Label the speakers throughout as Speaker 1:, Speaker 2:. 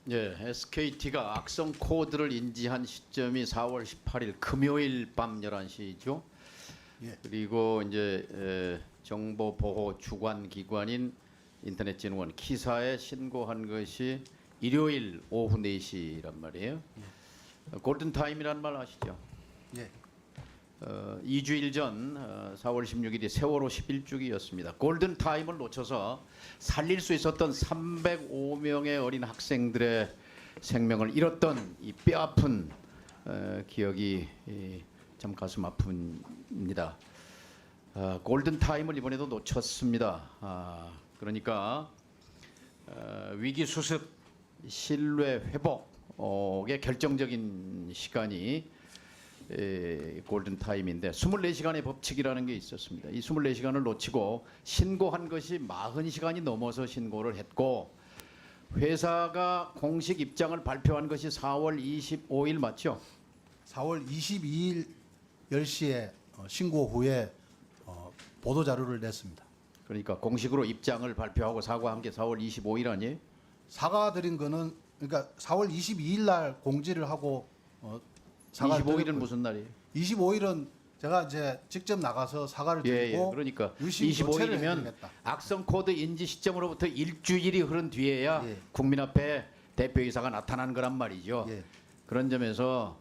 Speaker 1: 예, SKT가 악성 코드를 인지한 시점이 4월 18일 금요일 밤 11시죠.
Speaker 2: 예.
Speaker 1: 그리고 이제 정보 보호 주관 기관인 인터넷진흥원 키사에 신고한 것이 일요일 오후 4시란 말이에요. 골든 타임이란 말 아시죠?
Speaker 2: 예.
Speaker 1: 2주일 전 4월 16일이 세월호 11주기였습니다. 골든 타임을 놓쳐서 살릴 수 있었던 305명의 어린 학생들의 생명을 잃었던 이 뼈아픈 기억이 참 가슴 아픕니다. 골든 타임을 이번에도 놓쳤습니다. 그러니까 위기 수습, 신뢰 회복의 결정적인 시간이 골든 타임인데 24시간의 법칙이라는 게 있었습니다. 이 24시간을 놓치고 신고한 것이 40시간이 넘어서 신고를 했고 회사가 공식 입장을 발표한 것이 4월 25일 맞죠?
Speaker 2: 4월 22일 10시에 신고 후에 보도 자료를 냈습니다.
Speaker 1: 그러니까 공식으로 입장을 발표하고 사과한 게 4월 25일 아니에요?
Speaker 2: 사과드린 거는 그러니까 4월 22일 날 공지를 하고
Speaker 1: 25일은 무슨 날이에요?
Speaker 2: 25일은 제가 이제 직접 나가서 사과를 드리고
Speaker 1: 그러니까
Speaker 2: 유심 조치를
Speaker 1: 25일이면
Speaker 2: 해드리겠다.
Speaker 1: 악성 코드 인지 시점으로부터 일주일이 흐른 뒤에야
Speaker 2: 예.
Speaker 1: 국민 앞에 대표이사가 나타난 거란 말이죠.
Speaker 2: 예.
Speaker 1: 그런 점에서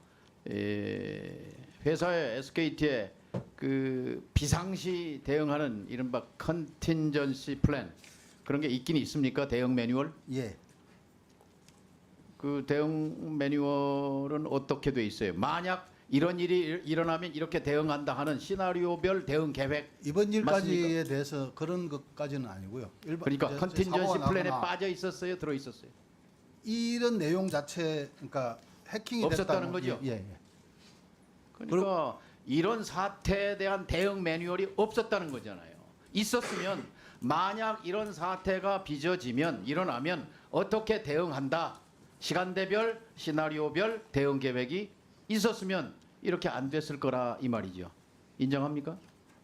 Speaker 1: 회사의 SKT의 그 비상시 대응하는 이른바 컨틴전시 플랜 그런 게 있긴 있습니까? 대응 매뉴얼?
Speaker 2: 예.
Speaker 1: 그 대응 매뉴얼은 어떻게 돼 있어요? 만약 이런 일이 일어나면 이렇게 대응한다 하는 시나리오별 대응 계획.
Speaker 2: 이번 일까지에
Speaker 1: 맞습니까?
Speaker 2: 대해서 그런 것까지는 아니고요.
Speaker 1: 그러니까
Speaker 2: 이제
Speaker 1: 컨틴전시
Speaker 2: 사고가
Speaker 1: 플랜에
Speaker 2: 나거나
Speaker 1: 빠져 있었어요, 들어 있었어요.
Speaker 2: 이런 내용 자체 그러니까 해킹이
Speaker 1: 없었다는
Speaker 2: 됐다는
Speaker 1: 거죠?
Speaker 2: 예, 예.
Speaker 1: 그러니까 이런 사태에 대한 대응 매뉴얼이 없었다는 거잖아요. 있었으면 만약 이런 사태가 빚어지면 일어나면 어떻게 대응한다. 시간대별, 시나리오별 대응 계획이 있었으면 이렇게 안 됐을 거라 이 말이죠. 인정합니까?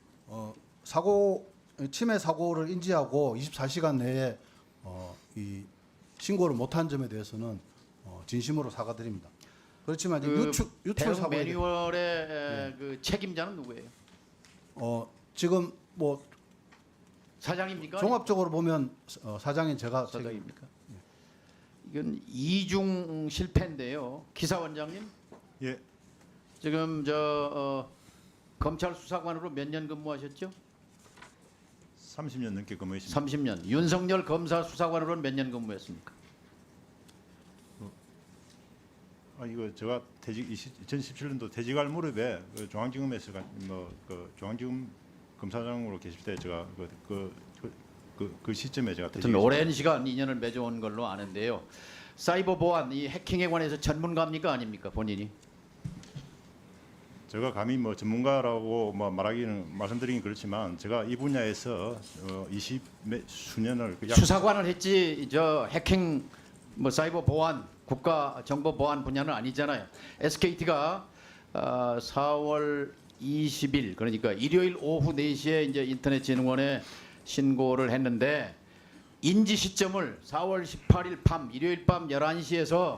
Speaker 2: 침해 사고를 인지하고 24시간 내에 이 신고를 못한 점에 대해서는 진심으로 사과드립니다. 그렇지만 이제 유출
Speaker 1: 대응
Speaker 2: 사고에
Speaker 1: 매뉴얼의 그 책임자는 누구예요?
Speaker 2: 지금 뭐
Speaker 1: 사장입니까?
Speaker 2: 종합적으로 보면 사장인 제가
Speaker 1: 사장입니까? 이건 이중 실패인데요. 기사원장님,
Speaker 3: 예,
Speaker 1: 지금 검찰 수사관으로 몇 년 근무하셨죠?
Speaker 3: 30년 넘게 근무했습니다.
Speaker 1: 30년. 윤석열 검사 수사관으로는 몇 년 근무했습니까?
Speaker 3: 이거 제가 2017년도 퇴직할 무렵에 그 중앙지검에서 그 중앙지검 검사장으로 계실 때 제가 그 시점에 제가
Speaker 1: 하여튼 오랜 시간 인연을 맺어온 걸로 아는데요. 사이버 보안, 이 해킹에 관해서 전문가입니까 아닙니까 본인이?
Speaker 3: 제가 감히 뭐 전문가라고 뭐 말씀드리긴 그렇지만 제가 이 분야에서 20수년을
Speaker 1: 수사관을 했지 저 해킹 뭐 사이버 보안 국가 정보 보안 분야는 아니잖아요. SKT가 4월 20일 그러니까 일요일 오후 4시에 이제 인터넷진흥원에 신고를 했는데 인지 시점을 4월 18일 밤 일요일 밤 11시에서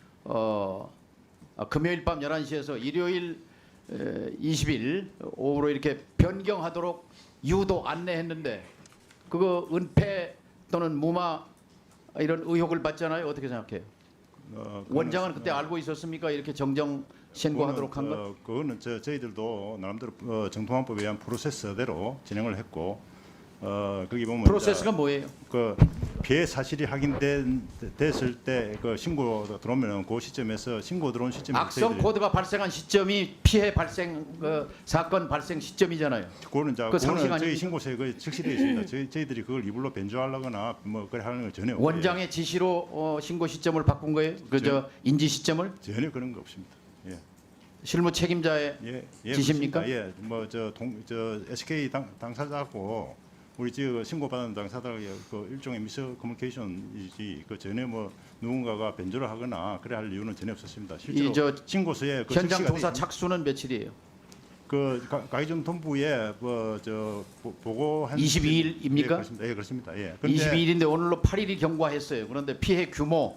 Speaker 1: 금요일 밤 11시에서 일요일 20일 오후로 이렇게 변경하도록 유도 안내했는데 그거 은폐 또는 무마 이런 의혹을 받잖아요. 어떻게 생각해요? 원장은 그때 알고 있었습니까? 이렇게 정정 신고하도록 한 것?
Speaker 3: 그거는 저희들도 나름대로 정통화법에 의한 프로세스대로 진행을 했고 거기 보면
Speaker 1: 프로세스가 뭐예요?
Speaker 3: 그 피해 사실이 확인됐을 때 그 신고 들어오면 그 시점에서 신고 들어온 시점에
Speaker 1: 악성 코드가 발생한 시점이 피해 발생 사건 발생 시점이잖아요.
Speaker 3: 그거는
Speaker 1: 그 상식
Speaker 3: 저희
Speaker 1: 아닙니까?
Speaker 3: 신고서에 그 적시되어 있습니다. 저희들이 그걸 이불로 변조하려거나 뭐 그래 하는 건 전혀
Speaker 1: 원장의 지시로 신고 시점을 바꾼 거예요? 그저 인지 시점을?
Speaker 3: 전혀 그런 거 없습니다. 예.
Speaker 1: 실무 책임자의 지시입니까?
Speaker 3: 그렇습니다. 예, 뭐 저 SK 당사자고 우리 지금 신고받은 당사자의 그 일종의 미스 커뮤니케이션이지 그 전에 뭐 누군가가 변조를 하거나 그래 할 이유는 전혀 없었습니다. 실제로 신고서에 그
Speaker 1: 현장
Speaker 3: 적시가
Speaker 1: 조사
Speaker 3: 돼
Speaker 1: 착수는 며칠이에요?
Speaker 3: 그 가해전 본부에 보고한
Speaker 1: 22일입니까?
Speaker 3: 예, 그렇습니다. 예, 그렇습니다. 예.
Speaker 1: 22일인데 오늘로 8일이 경과했어요. 그런데 피해 규모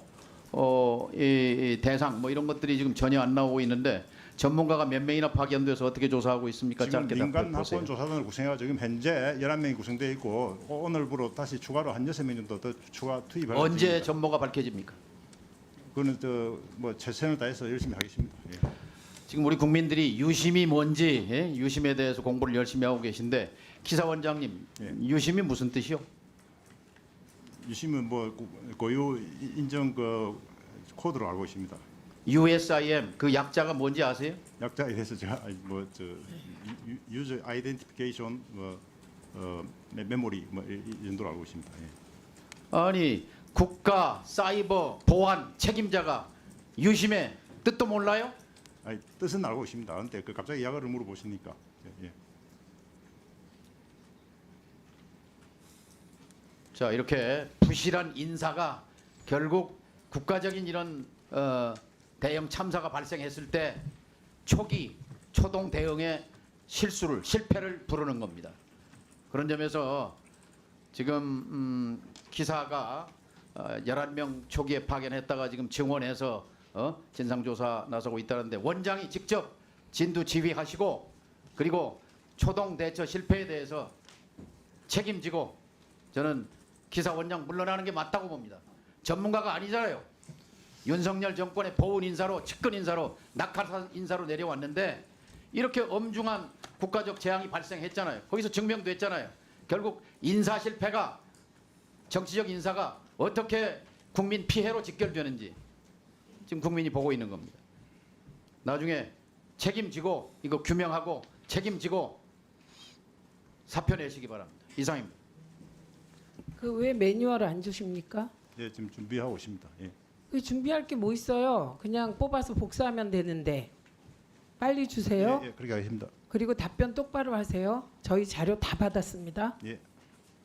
Speaker 1: 이 대상 뭐 이런 것들이 지금 전혀 안 나오고 있는데 전문가가 몇 명이나 파견돼서 어떻게 조사하고 있습니까?
Speaker 3: 지금
Speaker 1: 짧게
Speaker 3: 민간
Speaker 1: 답변 보세요.
Speaker 3: 학원 조사단을 구성해가 지금 현재 11명이 구성되어 있고 오늘부로 다시 추가로 한 6명 정도 더 추가 투입할
Speaker 1: 언제
Speaker 3: 예정입니다.
Speaker 1: 전모가 밝혀집니까?
Speaker 3: 그거는 뭐 최선을 다해서 열심히 하겠습니다. 예.
Speaker 1: 지금 우리 국민들이 유심이 뭔지 유심에 대해서 공부를 열심히 하고 계신데 기사 원장님
Speaker 3: 예.
Speaker 1: 유심이 무슨 뜻이요?
Speaker 3: 유심은 뭐 고유 인정 그 코드로 알고 있습니다.
Speaker 1: USIM 그 약자가 뭔지 아세요?
Speaker 3: 약자에 대해서 제가 뭐저 유저 아이덴티피케이션 메모리 뭐 이 정도로 알고 있습니다. 예.
Speaker 1: 아니 국가 사이버 보안 책임자가 유심의 뜻도 몰라요?
Speaker 3: 아니, 뜻은 알고 있습니다. 그런데 그 갑자기 약어를 물어보시니까 예.
Speaker 1: 자 이렇게 부실한 인사가 결국 국가적인 이런 대형 참사가 발생했을 때 초기 초동 대응의 실패를 부르는 겁니다. 그런 점에서 지금 기사가 11명 초기에 파견했다가 지금 증원해서 진상조사 나서고 있다는데 원장이 직접 진두 지휘하시고 그리고 초동 대처 실패에 대해서 책임지고 저는 기사 원장 물러나는 게 맞다고 봅니다. 전문가가 아니잖아요. 윤석열 정권의 보훈 인사로 측근 인사로 낙하산 인사로 내려왔는데 이렇게 엄중한 국가적 재앙이 발생했잖아요. 거기서 증명도 했잖아요. 결국 인사 실패가 정치적 인사가 어떻게 국민 피해로 직결되는지 지금 국민이 보고 있는 겁니다. 나중에 책임지고 이거 규명하고 책임지고 사표 내시기 바랍니다. 이상입니다.
Speaker 4: 그 왜 매뉴얼을 안 주십니까?
Speaker 3: 예, 지금 준비하고 있습니다. 예.
Speaker 4: 그 준비할 게 뭐 있어요? 그냥 뽑아서 복사하면 되는데 빨리 주세요.
Speaker 3: 예, 그렇게 하겠습니다.
Speaker 4: 그리고 답변 똑바로 하세요. 저희 자료 다 받았습니다.
Speaker 3: 예.